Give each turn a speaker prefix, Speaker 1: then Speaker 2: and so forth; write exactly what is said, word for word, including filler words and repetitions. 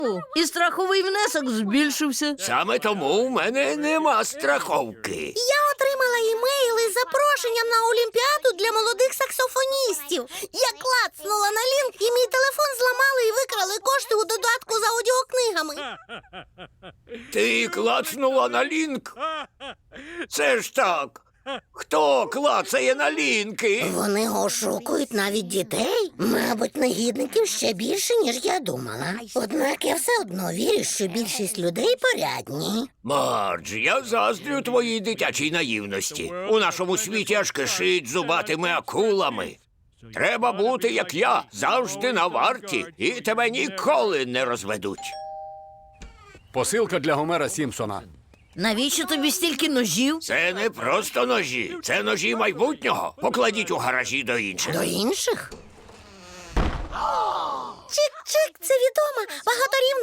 Speaker 1: І страховий внесок збільшився.
Speaker 2: Саме тому у мене нема страховки.
Speaker 3: Я отримала імейли з запрошенням на Олімпіаду для молодих саксофоністів. Я клацнула на лінк, і мій телефон зламали і викрали кошти у додатку з аудіокнигами.
Speaker 2: Ти клацнула на лінк? Це ж так. Хто клацає на лінки?
Speaker 3: Вони ошукують навіть дітей. Мабуть, негідників ще більше, ніж я думала. Однак я все одно вірю, що більшість людей порядні.
Speaker 2: Мардж, я заздрю твоїй дитячій наївності. У нашому світі аж кишить зубатими акулами. Треба бути, як я, завжди на варті, і тебе ніколи не розведуть.
Speaker 4: Посилка для Гомера Сімпсона.
Speaker 1: Навіщо тобі стільки ножів?
Speaker 2: Це не просто ножі, це ножі майбутнього. Покладіть у гаражі до інших.
Speaker 3: До інших? Чик-чик, це відома багаторівна